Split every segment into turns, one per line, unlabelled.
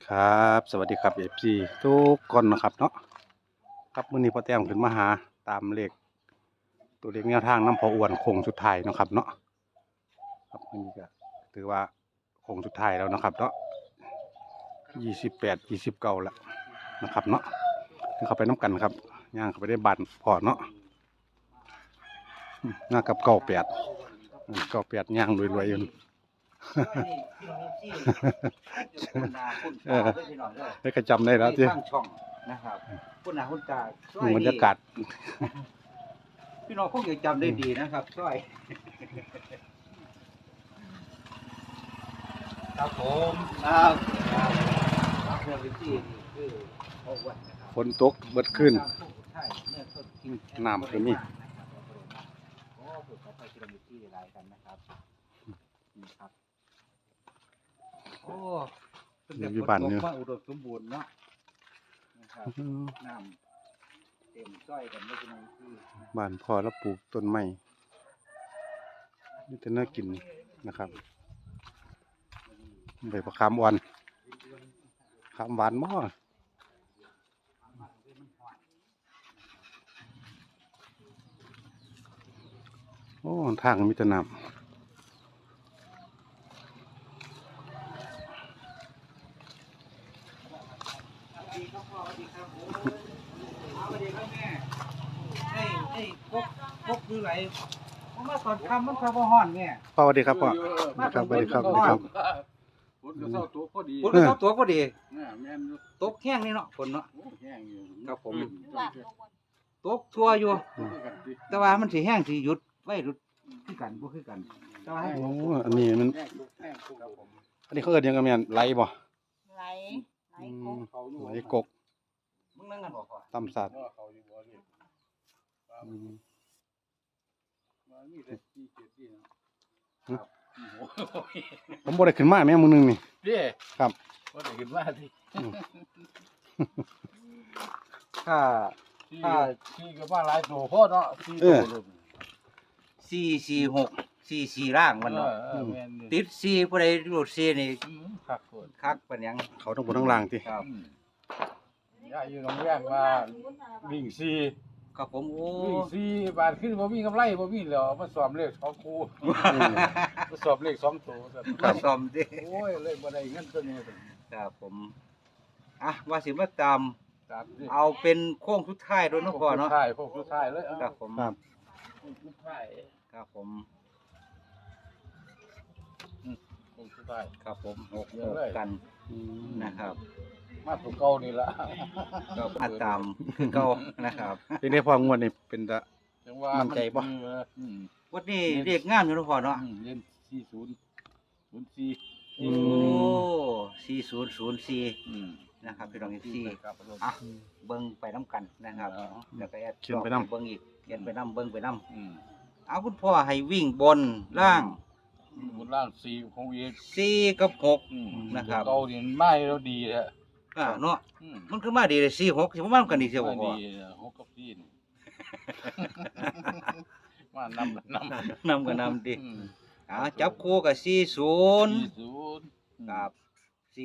ครับสวัสดีครับFCทุกคนนะครับเนาะครับมื้อนี้พ่อแต้มขึ้นมาหาตามเลขตัวเลขแนวทางน้ำพออ้วนโค้งสุดท้ายเนาะครับเนาะครับมื้อนี้ก็ถือว่าโค้งสุดท้ายแล้วนะครับเนาะ28 29แล้วนะครับเนาะเข้าไปน้ำกันครับย่างเข้าไปได้บ้านพอเนาะหน้ากับ98ย่างรวยๆอยู่ ได้ก็จำได้แล้วที่
ตั้งช่องนะครับคุณอาคุณตา
บรรยากาศ
พี่น้องคงจะจำได้ดีนะครับช่วยครับผมครับเรื่องที่นี่คือโอ้วันนะครับ
ฝนตกเบิดขึ้น
ใช่เมื่อต้นคิว
น้ำก็มี
โอ้ผมขอไปกิโลเมตรที่หลายกันนะครับนี่ครับโอ้
อยู่บ้านเนี่ย
มาอุดมสมบูรณ์เนาะนะครับน้ำเต็มซ้อยกันไม่เป็นไรที่
บ้านพ่อแล้วปลูกต้นไม้นี่จะน่ากินนะครับใบมะขามอ่อนขามหวานม้อโอ้ทางมีแต่น้ำ
พกคือไรผมมาตอนคำมันคำว่าห้อนเนี่ย
พ่อสวัสดีครับพ่อครับสวัสดีครับสวัสดีครับ
ฝนก็เข้าตัวพอดี
ฝนก็เข้าตัวพอดี
แม่นอยู่
ตกแห้งนี่เนาะฝนเนาะ
โอ้แห้งอยู่
ครับผม
ต้อง
ตกทั่วอยู่
กันดิ
แต่ว่ามันสิแห้งสิหยุดไว้หยุดคือกันบ่คือกันแต่ว่า
โอ้อันนี้มัน
แห้งทุกแห้งทุกครับผม
อันนี้เขาเอิ้นหยังกันแม่นไหลบ่
ไหลไหลกบ
เขาอยู่
ไหลกก
มึงนั่งกันบ่พอ
ตำสัตว์
ว่าเขาอยู่บ่นี่มามีแต่ที่เจ็ดที่นะครับโอ้ย
ผมบ่ได้ขึ้นมาแม่มื้อนึงนี่
เด้
ครับ
ว่าได้ขึ้นมาที่
ถ้า
ที่ก็มาหลายตัวพอเนาะที่ตัว
446 44ร่างมันเนาะ
แม่นอยู่
ติด4ผู้ใดรูด4นี่
คักโคตร
คักปานหยัง
เขาต้องบนทั้งล่างติ
ครับ
ย่าอยู่โรงแรมว่าวิ่งซี
ครับผมโอ้
วิ่งซีบาทขึ้นบ่มีกำไรบ่มีแล้วเอามาสอบเลข2คู่มาสอบเลข2ตัวซั่น
มาซ่อมดิ
โอ้ยเลยบ่ได้เงินตัวนี้
ครับผมอ่ะว่าสิมาตาม
ตามที่
เอาเป็นโค้งสุดท้ายด้วยเนาะพ่อเนาะ
พวกสุดท้ายเลย
ครับผม
ครับ
พวกสุดท้าย
ครับผม
พวกสุดท้าย
ครับผมหก
เยอะเลย
กัน
อืม
นะครับ
มาถูกเก่านี่ล่ะ
ก็มาตามคือเก่านะครับ
เป็นได้พองวดนี่เป็นตะ
จังว่า
มั่นใจบ่
วันนี้เรียกงามอยู่เนาะพ่อเนาะ
เล่น40 04
โอ้4004นะครับพี่น้องที่
ครับ
อ่ะเบิ่งไปน้ำกันนะครับแล้วก็แอด
เขียนไปนำ
เบิ่งอีกเขียนไปน้ำเบิ่งไปน้
อืม
ำเอาคุณพ่อให้วิ่งบนล่าง
บนล่าง4ของเอก
4กับ6 นะครับ
เก่านี่ไม่แล้วดีแท้
เนาะมันคือมาดีเลย46สิบ่มากันดีเสียบ่พ่อ
ดี6กับ4นี่มานำ
นำก็นำดิ
อืม
จับคู่กับ40
40
กับ 41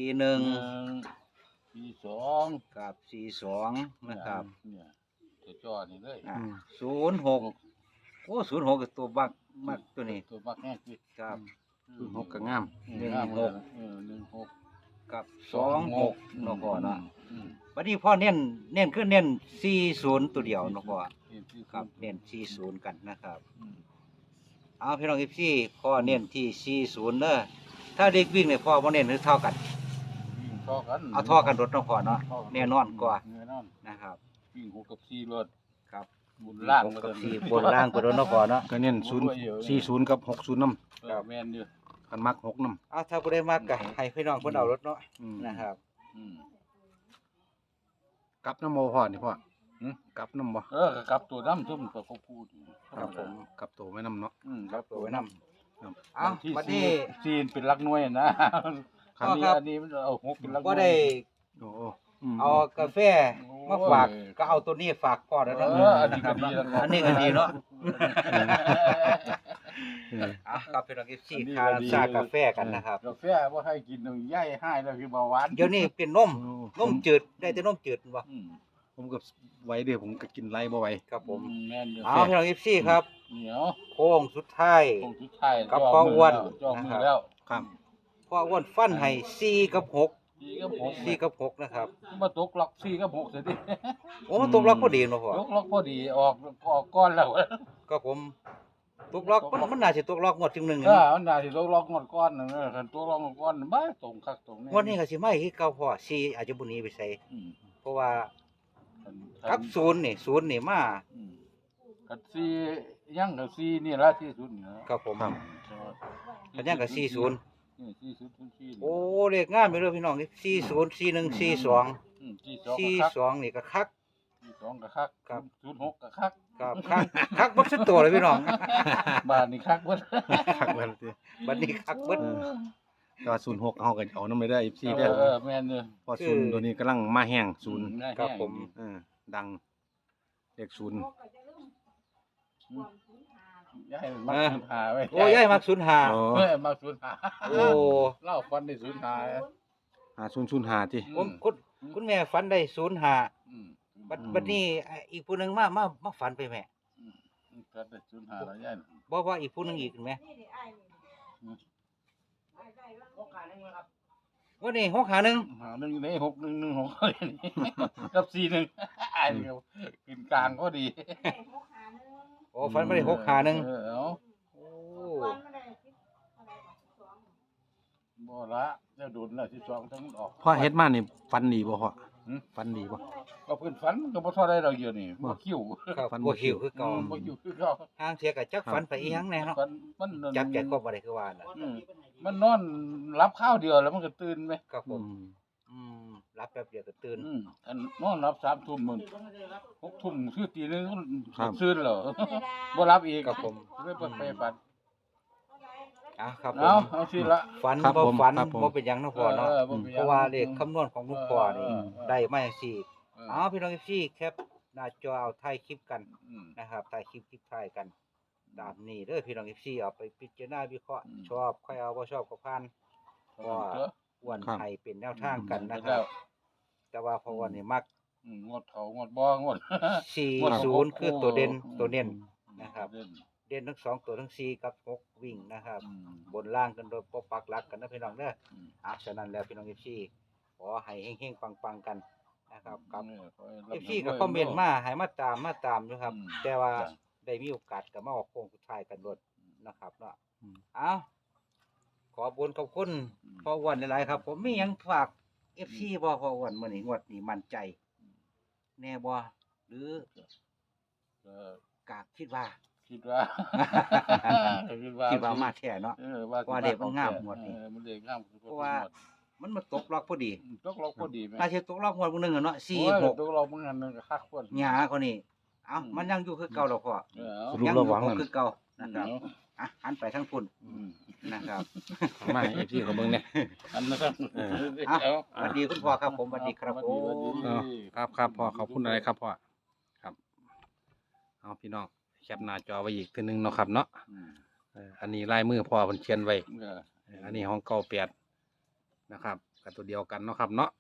42
กับ42นะครับ
เนี่ยตัวจอนี่เลย
06โอ้06ก็ตัวบักมากตัวนี้
ตัวมักแห้งสิ
ครับ
6ก็งาม
16
กับ26เนาะพ่อเนาะ
อืม
วันนี้พ่อเน้นคือเน้น40ตัวเดียวเนาะพ่อครับเน้น40กันนะครับ
อืม
เอาพี่น้อง FC พ่อเน้นที่40เด้อถ้าเด็กวิ่งเนี่ยพ่อบ่เน้นหรือเท่ากัน
วิ่งท่อกัน
เอาท่อกันรถเนาะพ่อเนาะแน่นอนกว่า
แน่นอน
นะครับ
วิ่ง6กับ4รถ
ครับ
บุญล่าง
6กับ4บนล่างไปรถเนาะพ่อเนาะ
ก็เน้น40กับ60นำ
ครับแม่นอยู่
คันมัก6นำ
เอาถ้าบ่ได้มากก็ให้พี่น้องเพิ่นเอารถเนาะนะครับ
อืม
กลับน้ำโมพ่อนี่พ่อ
หืม
กลับน้ำบ่
ก็กลับตัวน้ำซุ่มกับเขาพูด
ครับผมกลับตัวไว้น้ำเนาะ
กลับตัวไว้น้ำ
ครับ
เอาบัดนี้
จีนเป็นลักหน่วยนะ
ครับ
อันนี้มันเอา6เป็นลักหน่วย
บ่ได้
โอ้
เอากาแฟมาฝากก็เอาตัวนี้ฝากพ่อแล้ว
เอ
เนาะ
ออันนี้ก็ดีแล้ว
อันนี้ก็ดีเนาะอ่ะครับพี่น้องเอฟซีทานชากาแฟกันนะครับ
กาแฟว่าให้กินย่ายให้แล้วคือเบาหวาน
เดี๋ยวนี้เป็นนมจืดได้แต่นมจืดบ่
อืม
ผมก็ไว้เด้อผมก็กินไรบ่ไหว
ครับผม
แม่นอยู่
เอาพี่น้องเอฟซีครับ
เหนียว
โค้งสุดท้าย
คงสุดท้าย
กับพ่ออ้วน
จองมือแล้ว
ครับ
พ่ออ้วนฟันให้4 กับ 6
4 กับ6
4 กับ 6นะครับ
มาตกล็อก4 กับ6เสียดิ
โอ้มันตกล็อกพอดีเนาะพ่อ
ตกล็อกพอดีออกก้อนแล้ว
ก็ผมตกล็อกมันน่าสิตกล็อกงวดจึงหนึง
มันน่าสิตกล็อกหมดก้อนนึงคันตกล็อกหมดก้อนบ้าตรงคักตรงนี้
งวดนี้ก็สิมาคือเก่าพ่อ4อาจจะบ่หนีไปไส
อืม
เพราะว่า
คัน
กับ0นี่มา
อืมกับ4ยังกับ4นี่ละที่สุดนี่นะครับ
ผม
ครับ
กันยังก็40
นี่40
โอ้เลขงามไปเลยพี่น้องนี่40 41 42
อืม42
42นี่ก็คัก
42ก็คัก
ครับ
06ก็คัก
ครับคักเบิดสุดตัวเลยพี่น้อง
บ้านนี่คักเบิด
คักเบิดติ
บัดนี้คักเบิด
ก็06เฮาก็เอานำไปได้ FC
เอ
เด้อ
อแม่นเด้อ
เพราะศูนย์ตัวนี้กำลังมาแห้งศูนย์
ครับผม
ดังเลขศูนย์
ยายมักสูญหาไว้
โอ้ยายมัก05
โอ้
เฮ้ยมักสูญหา
โอ้
เล่าฟันได้สูญหา
5005ติ
ผมคุณแม่ฝันได้05
อืม
บัดนี้อีกผู้หนึงมาฝันไปแม่
ฟันได้สูญหาแล้วยาย
บ่ว่าอีกผู้หนึงอีกแม่วันนี้651
หา1ใน6116กับ41อ้ายนี่ก็กินกลางก็ดี
โอ้ฝันบ่ได้651
เออเอา
โอ้
บ่ละจะโดนแล้ว12ทั้งออก
พ่อเฮ็ดมานี่ฟันดีบ่พ่อ
หืม
ฟันดีบ่
ก็เพิ่นฝันมันก็บ่เท่าได้ดอกเดียวนี่บ่คิว
ครับ
ฝันบ่
บ่
คิ
คิ
ว
วคือเก่า
บ่คิวคือเก่า
ทางเทียก็จักฝันไปอีหยังแน่เนาะ
ฝันมัน
จับใจครบบ่ได้คือว่าน่ะ
อืมมันนอนรับข้าวเดียวแล้วมันก็ตื่นไหม
ครับผ
อื
ม
ม
รับแป๊บเดียวก็ตื่น
อันนอนรับ3 ทุ่มมึง6 ทุ่มคือตีหนึง
ครับ
ตื่นแล้ว บ่รับอีก
ครับผม
เลยไปฝัน
ครับผ
เอา
ม
เอาสิละ
ฝัน
ครับ
บ่
ผม
ฝัน
ครับผม
บ่เป็นหยังเนาะพ่อเนาะ
บ่เป็นหยัง
เพราะว่าเลขคำนวณของลุงพ่อนี่
เออ
ได้มาจังซี่
เออ
เอาพี่น้องพี่แคปหน้าจอเอาถ่ายคลิปกัน
อืม
นะครับถ่ายคลิปถ่ายกันตามนี้เด้อพี่น้องพี่เอาไปพิจารณาวิเคราะห์
อืม
ชอบค่อยเอาบ่ชอบก็ผ่าน ว่า อ้วน
ครับ
ให้เป็นแนวทางกันนะครับ แต่ว่าพออ้วนนี่มัก
งดเขางดบ่งด
40คือตัวเด่นตัวเน้น นะครับ
เด่น
เด่นทั้ง2ตัวทั้ง4กับ6วิ่งนะครับ
อืม
บนล่างกันโดยปกปักหลักกันนะพี่น้องเด้อ
อืม
ฉะนั้นแล้วพี่น้องเอฟซีขอให้เฮงๆปังๆกันนะครับกับ
ขอให้
เอ
รับ
ฟซีก็คอมเมนต์มาให้มาตามอยู่ครับ
อืม
แต่ว่า
จ้ะ
ได้มีโอกาสก็มาออกโค้งสุดท้ายกันรถนะครับเนาะ
อืม
เอาขอบคุณขอบคุณพ่ออ้วนหลายๆครับ ผมมีหยังฝากเอฟซีบ่พ่ออ้วนมื้อนี้งวดนี้มั่นใจ แน่บ่หรือ
ก็
กากคิดว่า
คิดว่า
คิดว่ามาแท้เนาะ
ว่า
ว่าเด็กมันงามหมดนี่
มันเด็กงาม
เพราะว่า มันมาตกล็อกพอดี
ตกเราก็ดีไหม
น่าจะตกล็อกงวดมื้อนึงอะเนาะ
โอ้ย
4
ตกเราเมื่อนั้นก็คักคน
6หยาคนนี้เอ้ามันยังอยู่คือเก่าดอกพ่อ
สรุป
ยัง
ระ
อยู่
หว่าง
คง
นั้น
คือเก่านะครับหันไปทางพุ่นนะครับ
มา FC ก็เบิ่งเนี่ย
อันนั้น
สวัสดีคุณพ่อครับผมสวัสดีครับผม
ครับพ่อขอบคุณอะไรครับพ่อครับเอาพี่น้องแคปหน้าจอไว้อีกทีนึงเนาะครับเนาะอันนี้ลายมือพ่อเพิ่นเขียนไว้อันนี้ของเก่า8นะครับกับตัวเดียวกันเนาะครับเนาะ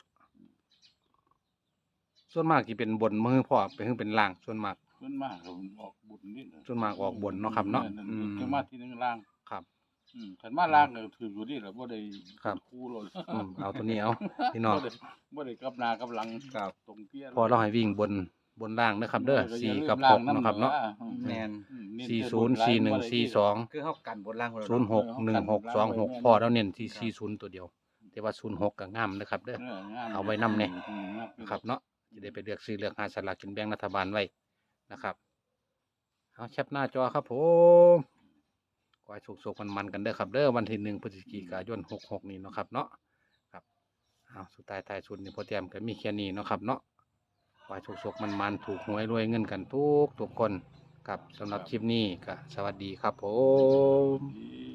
ส่วนมากที่เป็นบนมือพ่อเป็นล่างส่วนมาก
ส่วนมากผมออกบุญนิด
ส่วนมากออกบนเนาะครับเนาะอืม
จะมาที่นึงล่าง
ครับ
ขันมาล่างก็ถืออยู่นี่แหละบ่ได้
ครับ
คู่เลย
เอาตัวนี้เอาพี่น้อง
บ่ได้กับหน้ากับหลัง
ครับ
ตรงเตี้ย
พอเราให้วิ่งบนล่างนะครับเด้อ4กับ6นะครับเนาะ
แม่น
404142
คือเฮากันบนล่างคนละ
061626พอเราเน้นที่40ตัวเดียว แต่ว่า06ก็งามนะครับเด้อ เอาไว้นำเนี่ย นะครับเนาะจะได้ไปเลือกซื้อเลือกหาสลากกินแบ่งรัฐบาลไว้นะครับเอาแคปหน้าจอครับผมขอให้สุขๆมันๆกันเด้อครับเด้อวันที่1 พฤศจิกายน66นี้เนาะครับเนาะครับเอาสุดท้ายท้ายสุดนี่พอเตรียมก็มีแค่นี้เนาะครับเนาะขอให้สุขๆมันๆถูกหวยรวยเงินกันทุกคนครับสำหรับคลิปนี้ก็สวัสดีครับผม
ดี